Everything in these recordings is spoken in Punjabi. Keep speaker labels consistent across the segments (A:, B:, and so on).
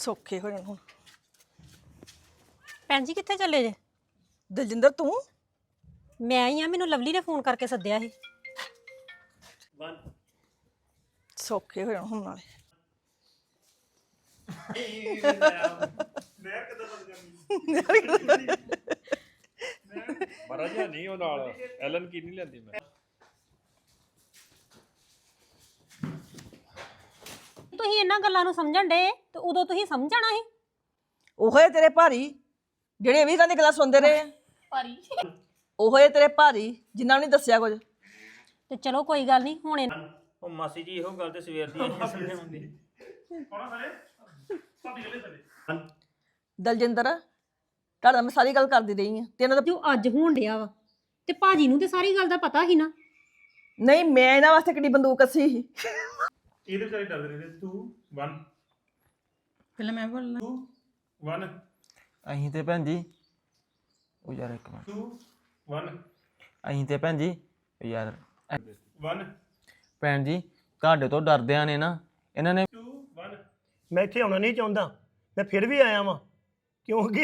A: ਸੌਖੇ ਹੋ ਜਾਣ ਹੁਣ।
B: ਭੈਣ ਜੀ ਕਿੱਥੇ ਚੱਲੇ ਜੇ?
A: ਦਲਜਿੰਦਰ ਤੂੰ
B: ਮੈਂ ਆਈ ਆ, ਮੈਨੂੰ ਲਵਲੀ ਨੇ ਫੋਨ ਕਰਕੇ ਸੱਦਿਆ ਸੀ।
A: ਸੌਖੇ ਹੋ ਜਾਣ ਹੁਣ ਨਾਲੇ।
C: ਮਰਾ ਜਿਹਾ ਨਹੀਂ ਉਹ ਨਾਲ ਐਲਨ ਕੀ ਨਹੀਂ ਲੈਂਦੀ ਮੈਂ
B: ਤੁਸੀਂ ਇਹਨਾਂ ਗੱਲਾਂ ਨੂੰ ਸਮਝਣ ਡੇ ਤੇ ਉਦੋਂ ਤੁਸੀਂ ਸਮਝਣਾ ਸੀ।
A: ਉਹੇ ਤੇਰੇ ਭਾਰੀ ਜਿਹੜੇ 20 ਦੀ ਗੱਲਾਂ ਸੁਣਦੇ ਰਹੇ ਆ।
B: ਭਾਰੀ
A: ਉਹੇ ਤੇਰੇ ਭਾਰੀ ਜਿਨ੍ਹਾਂ ਨੂੰ ਨਹੀਂ ਦੱਸਿਆ ਕੁਝ।
B: ਤੇ ਚਲੋ ਕੋਈ ਗੱਲ ਨਹੀਂ ਹੁਣ
D: ਉਹ ਮਾਸੀ ਜੀ ਇਹੋ ਗੱਲ ਤੇ ਸਵੇਰ ਦੀ ਆਈ ਸਮਝਾਉਂਦੀ
A: ਦਲਜਿੰਦਰ ਤੁਹਾਡਾ ਮੈਂ ਸਾਰੀ ਗੱਲ ਕਰਦੀ ਰਹੀ ਆ ਤੇ ਇਹਨਾਂ ਦਾ
B: ਜੋ ਅੱਜ ਹੋਣ ਡਿਆ ਵਾ ਤੇ ਭਾਜੀ ਨੂੰ ਤੇ ਸਾਰੀ ਗੱਲ ਦਾ ਪਤਾ ਸੀ ਨਾ।
A: ਨਹੀਂ ਮੈਂ ਇਹਨਾਂ ਵਾਸਤੇ ਕਿੱਡੀ ਬੰਦੂਕ ਕੱਸੀ ਸੀ।
E: ਇਹਦੇ ਵਿਚਾਰੇ ਡਰਦੇ ਰਹੇ 2 1
F: ਪਹਿਲਾਂ ਮੈਂ ਬੋਲਣਾ
E: 2 1
D: ਅਸੀਂ ਤੇ ਭੈਣ ਜੀ ਉਹ ਯਾਰ ਇੱਕ ਮਿੰਟ
E: 2 1
D: ਅਸੀਂ ਤੇ ਭੈਣ ਜੀ ਉਹ ਯਾਰ
E: 1
D: ਭੈਣ ਜੀ ਤੁਹਾਡੇ ਤੋਂ ਡਰਦਿਆਂ ਨੇ ਨਾ ਇਹਨਾਂ ਨੇ
E: 2 1
G: ਮੈਂ ਇੱਥੇ ਆਉਣਾ ਨਹੀਂ ਚਾਹੁੰਦਾ, ਮੈਂ ਫਿਰ ਵੀ ਆਇਆ ਵਾਂ ਕਿਉਂਕਿ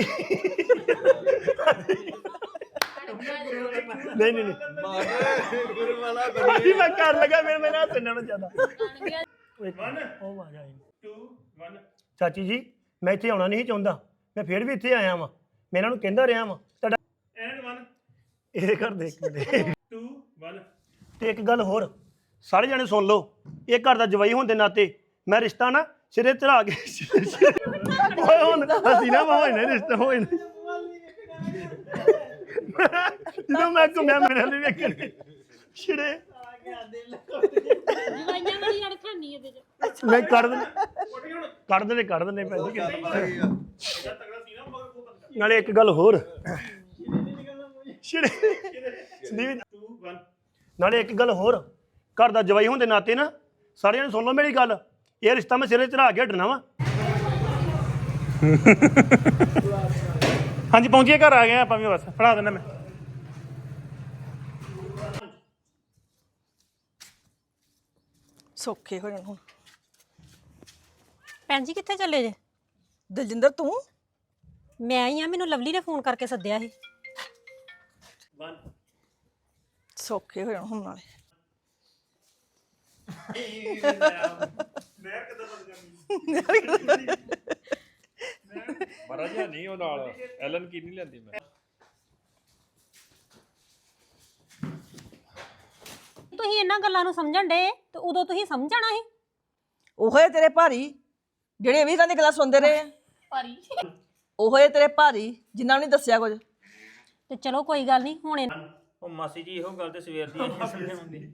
G: ਨਹੀਂ ਨਹੀਂ ਗੁਰੂ ਵਾਲਾ ਬਣੀ ਮੈਂ ਕਰ ਲਗਾ ਫਿਰ ਮੈਂ ਨਾ ਸੁਣਨਾ ਚਾਹਦਾ
E: 1
G: ਉਹ ਆ ਜਾਏ
E: 2 1
G: ਚਾਚੀ ਜੀ ਮੈਂ ਇੱਥੇ ਆਉਣਾ ਨਹੀਂ ਚਾਹੁੰਦਾ, ਮੈਂ ਫਿਰ ਵੀ ਇੱਥੇ ਆਇਆ ਵਾਂ, ਮੈਂ ਇਹਨਾਂ ਨੂੰ ਕਹਿੰਦਾ ਰਿਹਾ ਵਾਂ ਤੁਹਾਡਾ
E: ਐਂਡ 1
G: ਇਹ ਘਰ ਦੇ ਇੱਕ ਮਿੰਟ
E: 2 1
G: ਤੇ ਇੱਕ ਗੱਲ ਹੋਰ ਸਾਰੇ ਜਣੇ ਸੁਣ ਲਓ, ਇਹ ਘਰ ਦਾ ਜਵਾਈ ਹੋਣ ਦੇ ਨਾਤੇ ਮੈਂ ਰਿਸ਼ਤਾ ਨਾ ਸਿਰੇ ਚੜਾ ਕੇ ਓਏ ਹੁਣ ਅਸੀਂ ਨਾ ਹੋਏ ਨੇ ਰਿਸ਼ਤਾ ਹੋਏ ਨੇ ਜਦੋਂ ਮੈਂ ਘੁੰਮਿਆ ਮੇਰੇ ਲਈ ਵੇਖਣ ਛਿੜੇ
B: ਜਵਾਈਆਂ ਵਾਲੀ ਅੜਖਾਨੀ ਇਹਦੇ ਚ
G: ਮੈਂ ਕੱਢ ਦਿੰਦੇ ਭੈਣ ਜੀ ਨਾਲੇ ਇੱਕ ਗੱਲ ਹੋਰ ਛਿੜੇ ਸੰਦੀਪ
E: 2 1
G: ਨਾਲੇ ਇੱਕ ਗੱਲ ਹੋਰ ਘਰ ਦਾ ਜਵਾਈ ਹੋਣ ਦੇ ਨਾਤੇ ਨਾ ਸਾਰਿਆਂ ਨੇ ਸੁਣ ਲਓ ਮੇਰੀ ਗੱਲ, ਇਹ ਰਿਸ਼ਤਾ ਮੈਂ ਸਿਰੇ ਚੜਾ ਕੇ ਹਟਣਾ ਵਾ।
E: ਹਾਂਜੀ ਪਹੁੰਚੀਏ ਘਰ ਆ ਗਏ ਆਪਾਂ ਵੀ ਬਸ ਫੜਾ ਦਿੰਦਾ ਮੈਂ
A: ਸੌਖੇ ਹੋ ਜਾਣ ਹੁਣ।
B: ਭੈਣ ਜੀ ਕਿੱਥੇ ਚੱਲੇ ਜੇ?
A: ਦਲਜਿੰਦਰ ਤੂੰ
B: ਮੈਂ ਆਈ ਆ, ਮੈਨੂੰ ਲਵਲੀ ਨੇ ਫੋਨ ਕਰਕੇ ਸੱਦਿਆ ਸੀ।
E: 1
A: ਸੌਖੇ ਹੋ ਜਾਣ ਹੁਣ ਨਾਲੇ।
C: ਮਰਾ ਜਿਹਾ ਨਹੀਂ ਉਹ ਨਾਲ ਐਲਨ ਕੀ ਨਹੀਂ ਲੈਂਦੀ ਮੈਂ
B: ਤੁਸੀਂ ਇਹਨਾਂ ਗੱਲਾਂ ਨੂੰ ਸਮਝਣ ਡੇ ਤੇ ਉਦੋਂ ਤੁਸੀਂ ਸਮਝਣਾ ਸੀ।
A: ਉਹੇ ਤੇਰੇ ਭਾਰੀ ਜਿਹੜੇ 20 ਦੀ ਗੱਲਾਂ ਸੁਣਦੇ ਰਹੇ ਆ।
B: ਭਾਰੀ
A: ਉਹੇ ਤੇਰੇ ਭਾਰੀ ਜਿਨ੍ਹਾਂ ਨੂੰ ਨਹੀਂ ਦੱਸਿਆ ਕੁਝ।
B: ਤੇ ਚਲੋ ਕੋਈ ਗੱਲ ਨਹੀਂ ਹੁਣ
D: ਉਹ ਮਾਸੀ ਜੀ ਇਹੋ ਗੱਲ ਤੇ ਸਵੇਰ ਦੀ ਆਈ ਸਮਝਾਉਂਦੀ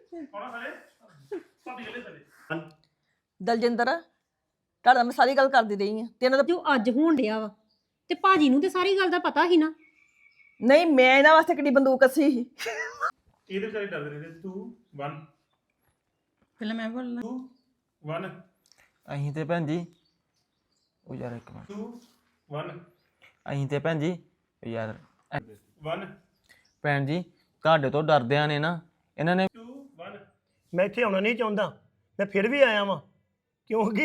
A: ਦਲਜਿੰਦਰ ਤੁਹਾਡਾ ਮੈਂ ਸਾਰੀ ਗੱਲ ਕਰਦੀ ਰਹੀ ਆ ਤੇ ਇਹਨਾਂ ਦਾ
B: ਜੋ ਅੱਜ ਹੋਣ ਡਿਆ ਵਾ ਤੇ ਭਾਜੀ ਨੂੰ ਤੇ ਸਾਰੀ ਗੱਲ ਦਾ ਪਤਾ ਸੀ ਨਾ।
A: ਨਹੀਂ ਮੈਂ ਇਹਨਾਂ ਵਾਸਤੇ ਕਿੱਡੀ ਬੰਦੂਕ ਕੱਸੀ ਸੀ।
E: ਇਹਦੇ ਵਿਚਾਰੇ ਡਰਦੇ ਰਹੇ 2 1
F: ਪਹਿਲਾਂ ਮੈਂ ਬੋਲਣਾ
E: 2 1
D: ਅਸੀਂ ਤੇ ਭੈਣ ਜੀ ਉਹ ਯਾਰ ਇੱਕ ਮਿੰਟ
E: 2 1
D: ਅਸੀਂ ਤੇ ਭੈਣ ਜੀ ਉਹ ਯਾਰ
E: 1
D: ਭੈਣ ਜੀ ਤੁਹਾਡੇ ਤੋਂ ਡਰਦਿਆਂ ਨੇ ਨਾ ਇਹਨਾਂ ਨੇ
E: 2 1
G: ਮੈਂ ਇੱਥੇ ਆਉਣਾ ਨਹੀਂ ਚਾਹੁੰਦਾ, ਮੈਂ ਫਿਰ ਵੀ ਆਇਆ ਵਾਂ ਕਿਉਂਕਿ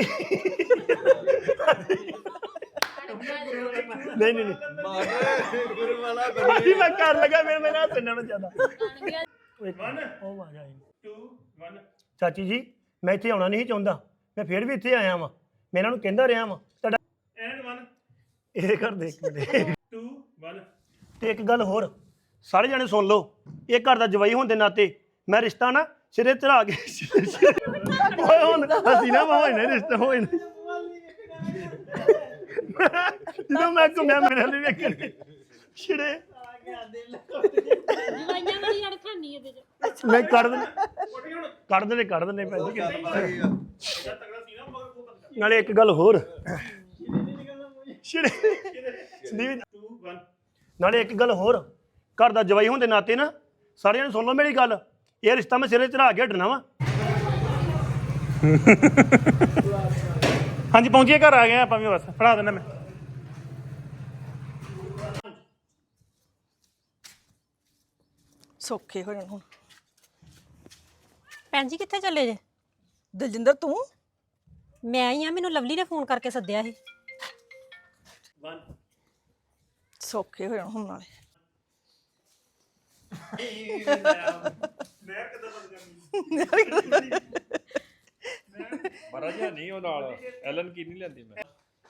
G: ਨਹੀਂ ਗੁਰੂ ਵਾਲਾ ਬਣੀ ਮੈਂ ਕਰ ਲਗਾ ਫਿਰ ਮੈਂ ਨਾ ਸੁਣਨਾ ਚਾਹਦਾ
E: 1
G: ਉਹ ਆ ਜਾਏ
E: 2 1
G: ਚਾਚੀ ਜੀ ਮੈਂ ਇੱਥੇ ਆਉਣਾ ਨਹੀਂ ਚਾਹੁੰਦਾ, ਮੈਂ ਫਿਰ ਵੀ ਇੱਥੇ ਆਇਆ ਵਾਂ, ਮੈਂ ਇਹਨਾਂ ਨੂੰ ਕਹਿੰਦਾ ਰਿਹਾ ਵਾਂ ਤੁਹਾਡਾ
E: ਐਂਡ 1
G: ਇਹ ਘਰ ਦੇ ਇੱਕ ਮਿੰਟ
E: 2 1
G: ਤੇ ਇੱਕ ਗੱਲ ਹੋਰ ਸਾਰੇ ਜਣੇ ਸੁਣ ਲਓ, ਇਹ ਘਰ ਦਾ ਜਵਾਈ ਹੋਣ ਦੇ ਨਾਤੇ ਮੈਂ ਰਿਸ਼ਤਾ ਨਾ ਸਿਰੇ ਚੜਾ ਕੇ ਓਏ ਹੁਣ ਅਸੀਂ ਨਾ ਹੋਏ ਨੇ ਰਿਸ਼ਤਾ ਹੋਏ ਨੇ ਜਦੋਂ ਮੈਂ ਘੁੰਮਿਆ ਮੇਰੇ ਲਈ ਵੇਖਣ ਛਿੜੇ
B: ਜਵਾਈਆਂ ਵਾਲੀ ਅੜਖਾਨੀ ਇਹਦੇ ਚ
G: ਮੈਂ ਕੱਢ ਦਿੰਦੇ ਭੈਣ ਜੀ ਨਾਲੇ ਇੱਕ ਗੱਲ ਹੋਰ ਛਿੜੇ ਸੰਦੀਪ
E: 2 1
G: ਨਾਲੇ ਇੱਕ ਗੱਲ ਹੋਰ ਘਰ ਦਾ ਜਵਾਈ ਹੋਣ ਦੇ ਨਾਤੇ ਨਾ ਸਾਰਿਆਂ ਨੇ ਸੁਣ ਲਓ ਮੇਰੀ ਗੱਲ, ਇਹ ਰਿਸ਼ਤਾ ਮੈਂ ਸਿਰੇ ਚੜਾ ਕੇ ਹਟਣਾ ਵਾ।
E: ਹਾਂਜੀ ਪਹੁੰਚੀਏ ਘਰ ਆ ਗਏ ਆਪਾਂ ਵੀ ਬਸ ਫੜਾ ਦਿੰਦਾ ਮੈਂ
A: ਸੌਖੇ ਹੋ ਜਾਣ ਹੁਣ।
B: ਭੈਣ ਜੀ ਕਿੱਥੇ ਚੱਲੇ ਜੇ?
A: ਦਲਜਿੰਦਰ ਤੂੰ
B: ਮੈਂ ਹੀ ਆ, ਮੈਨੂੰ ਲਵਲੀ ਨੇ ਫੋਨ ਕਰਕੇ ਸੱਦਿਆ ਸੀ।
E: 1
A: ਸੌਖੇ ਹੋ ਜਾਣ ਹੁਣ ਨਾਲੇ
E: ਮੈਂ ਕਿੱਦਾਂ ਬਦਲ ਜਾਂਦੀ
C: ਮਹਾਰਾਜ ਨਹੀਂ ਉਹ ਨਾਲ ਐਲਨ ਕੀ ਨਹੀਂ ਲੈਂਦੀ ਮੈਂ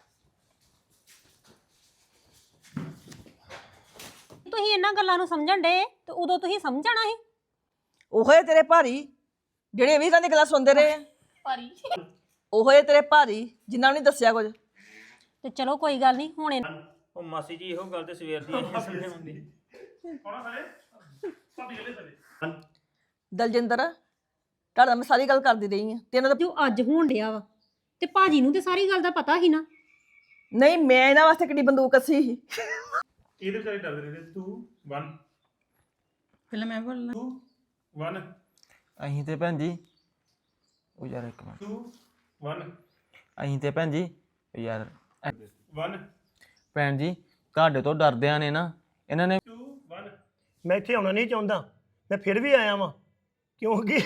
B: ਤੁਸੀਂ ਇਹਨਾਂ ਗੱਲਾਂ ਨੂੰ ਸਮਝਣ ਡੇ ਤੇ ਉਦੋਂ ਤੁਸੀਂ ਸਮਝਣਾ ਸੀ।
A: ਉਹੇ ਤੇਰੇ ਭਾਰੀ ਜਿਹੜੇ ਵੀ ਦੀ ਗੱਲਾਂ ਸੁਣਦੇ ਰਹੇ ਆ ਉਹੇ ਤੇਰੇ ਭਾਰੀ ਜਿਨ੍ਹਾਂ ਨੂੰ ਨਹੀਂ ਦੱਸਿਆ ਕੁਝ।
B: ਤੇ ਚਲੋ ਕੋਈ ਗੱਲ ਨਹੀਂ ਹੁਣ
D: ਉਹ ਮਾਸੀ ਜੀ ਇਹੋ ਗੱਲ ਤੇ ਸਵੇਰ ਦੀ ਆਈ ਸਮਝਾਉਂਦੀ
E: ਕੌਣਾ ਸਾਰੇ ਭਾਬੀ ਗਲੇ ਸਾਰੇ
A: ਦਲਜਿੰਦਰ ਤੁਹਾਡਾ ਮੈਂ ਸਾਰੀ ਗੱਲ ਕਰਦੀ ਰਹੀ ਆ ਤੇ ਇਹਨਾਂ ਦਾ
B: ਜੋ ਅੱਜ ਹੋਣ ਡਿਆ ਵਾ ਤੇ ਭਾਜੀ ਨੂੰ ਤੇ ਸਾਰੀ ਗੱਲ ਦਾ ਪਤਾ ਸੀ ਨਾ।
A: ਨਹੀਂ ਮੈਂ ਇਹਨਾਂ ਵਾਸਤੇ ਕਿੱਡੀ ਬੰਦੂਕ ਕੱਸੀ ਸੀ।
E: ਇਹਦੇ ਵਿਚਾਰੇ ਡਰਦੇ ਰਹੇ 2 1
F: ਪਹਿਲਾਂ ਮੈਂ ਬੋਲਣਾ
E: 2 1
D: ਅਸੀਂ ਤੇ ਭੈਣ ਜੀ ਉਹ ਯਾਰ ਇੱਕ ਮਿੰਟ
E: 2 1
D: ਅਸੀਂ ਤੇ ਭੈਣ ਜੀ ਉਹ ਯਾਰ
E: 1
D: ਭੈਣ ਜੀ ਤੁਹਾਡੇ ਤੋਂ ਡਰਦਿਆਂ ਨੇ ਨਾ ਇਹਨਾਂ ਨੇ
E: 2 1
G: ਮੈਂ ਇੱਥੇ ਆਉਣਾ ਨਹੀਂ ਚਾਹੁੰਦਾ ਮੈਂ ਫਿਰ ਵੀ ਆਇਆ ਵਾਂ ਕਿਉਂਕਿ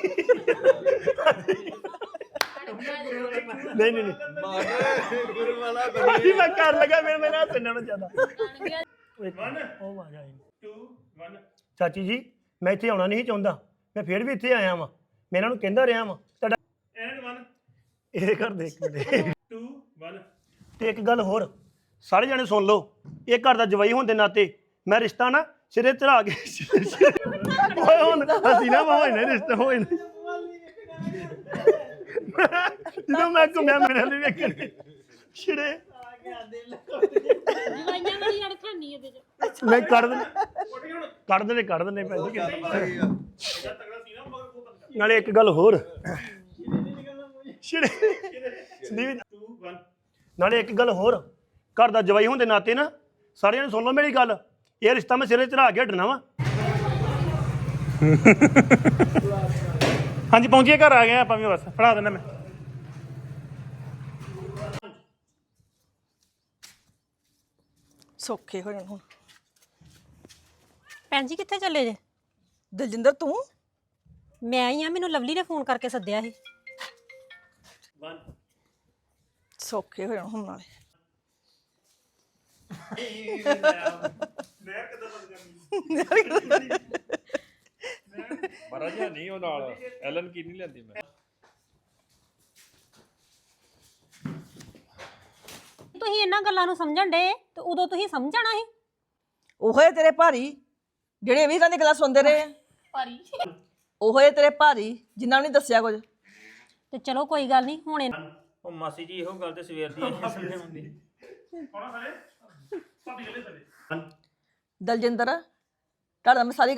G: ਨਹੀਂ ਨਹੀਂ ਗੁਰੂ ਵਾਲਾ ਮੈਂ ਕਰ ਲਗਾ ਫਿਰ ਮੈਂ ਨਾ ਸੁਣਨਾ ਜ਼ਿਆਦਾ
E: 1
G: ਉਹ ਆ ਗਿਆ
E: 2 1
G: ਚਾਚੀ ਜੀ ਮੈਂ ਇੱਥੇ ਆਉਣਾ ਨਹੀਂ ਚਾਹੁੰਦਾ ਮੈਂ ਫਿਰ ਵੀ ਇੱਥੇ ਆਇਆ ਵਾਂ ਮੈਂ ਇਹਨਾਂ ਨੂੰ ਕਹਿੰਦਾ ਰਿਹਾ ਵਾਂ ਤੁਹਾਡਾ
E: ਐਂਡ 1
G: ਇਹ ਘਰ ਦੇ ਇੱਕ ਮਿੰਟ
E: 2 1
G: ਤੇ ਇੱਕ ਗੱਲ ਹੋਰ ਸਾਰੇ ਜਣੇ ਸੁਣ ਲਓ ਇਹ ਘਰ ਦਾ ਜਵਾਈ ਹੋਣ ਦੇ ਨਾਤੇ ਮੈਂ ਰਿਸ਼ਤਾ ਨਾ ਸਿਰੇ ਚੜਾ ਕੇ ਓਏ ਹੁਣ ਅਸੀਂ ਨਾ ਹੋਏ ਨੇ ਰਿਸ਼ਤਾ ਹੋਏ ਨੇ ਜਦੋਂ ਮੈਂ ਘੁੰਮਿਆ ਮੇਰੇ ਲਈ ਵੇਖਣ ਛਿੜੇ
B: ਜਵਾਈਆਂ ਵਾਲੀ ਅੜਖਾਨੀ ਇਹਦੇ ਚ।
G: ਮੈਂ ਕੱਢ ਦਿੰਦੇ ਭੈਣ ਜੀ ਨਾਲੇ ਇੱਕ ਗੱਲ ਹੋਰ ਛਿੜੇ ਸੰਦੀਪ
E: 2 1
G: ਨਾਲੇ ਇੱਕ ਗੱਲ ਹੋਰ ਘਰ ਦਾ ਜਵਾਈ ਹੋਣ ਦੇ ਨਾਤੇ ਨਾ ਸਾਰਿਆਂ ਨੇ ਸੁਣ ਲਓ ਮੇਰੀ ਗੱਲ ਇਹ ਰਿਸ਼ਤਾ ਮੈਂ ਸਿਰੇ ਚੜਾ ਕੇ ਹਟਣਾ ਵਾ
E: ਹਾਂਜੀ ਪਹੁੰਚੀਏ ਘਰ ਆ ਗਏ ਆਪਾਂ ਵੀ ਬਸ ਫੜਾ ਦਿੰਦਾ ਮੈਂ
A: ਸੌਖੇ ਹੋ ਜਾਣ ਹੁਣ।
B: ਭੈਣ ਜੀ ਕਿੱਥੇ ਚੱਲੇ ਜੇ?
A: ਦਲਜਿੰਦਰ ਤੂੰ
B: ਮੈਂ ਹੀ ਆ, ਮੈਨੂੰ ਲਵਲੀ ਨੇ ਫੋਨ ਕਰਕੇ ਸੱਦਿਆ ਸੀ।
E: 1
A: ਸੌਖੇ ਹੋ ਜਾਣ ਹੁਣ ਨਾਲੇ
E: ਮੈਂ ਕਿੱਦਾਂ ਬਦਲ ਜਾਂਦੀ
C: ਮਹਾਰਾਜ ਨਹੀਂ ਉਹ ਨਾਲ ਐਲਨ ਕੀ ਨਹੀਂ ਲੈਂਦੀ ਮੈਂ
B: ਤੁਸੀਂ ਇਹਨਾਂ ਗੱਲਾਂ ਨੂੰ ਸਮਝਣ ਡੇ ਤੇ ਉਦੋਂ ਤੁਸੀਂ ਸਮਝਣਾ ਸੀ।
A: ਉਹੇ ਤੇਰੇ ਭਾਰੀ ਜਿਹੜੇ ਵੀ ਦੀ ਗੱਲਾਂ ਸੁਣਦੇ ਰਹੇ ਆ ਉਹੇ ਤੇਰੇ ਭਾਰੀ ਜਿਨ੍ਹਾਂ ਨੂੰ ਨਹੀਂ ਦੱਸਿਆ ਕੁਝ।
B: ਤੇ ਚਲੋ ਕੋਈ ਗੱਲ ਨਹੀਂ ਹੁਣ
D: ਉਹ ਮਾਸੀ ਜੀ ਇਹੋ ਗੱਲ ਤੇ ਸਵੇਰ ਦੀ ਆਈ ਸਮਝਾਉਂਦੀ
E: ਕੌਣਾ ਸਾਰੇ ਭਾਬੀ ਗਲੇ ਸਾਰੇ
A: ਦਲਜਿੰਦਰ ਤੁਹਾਡਾ ਮੈਂ ਸਾਰੀ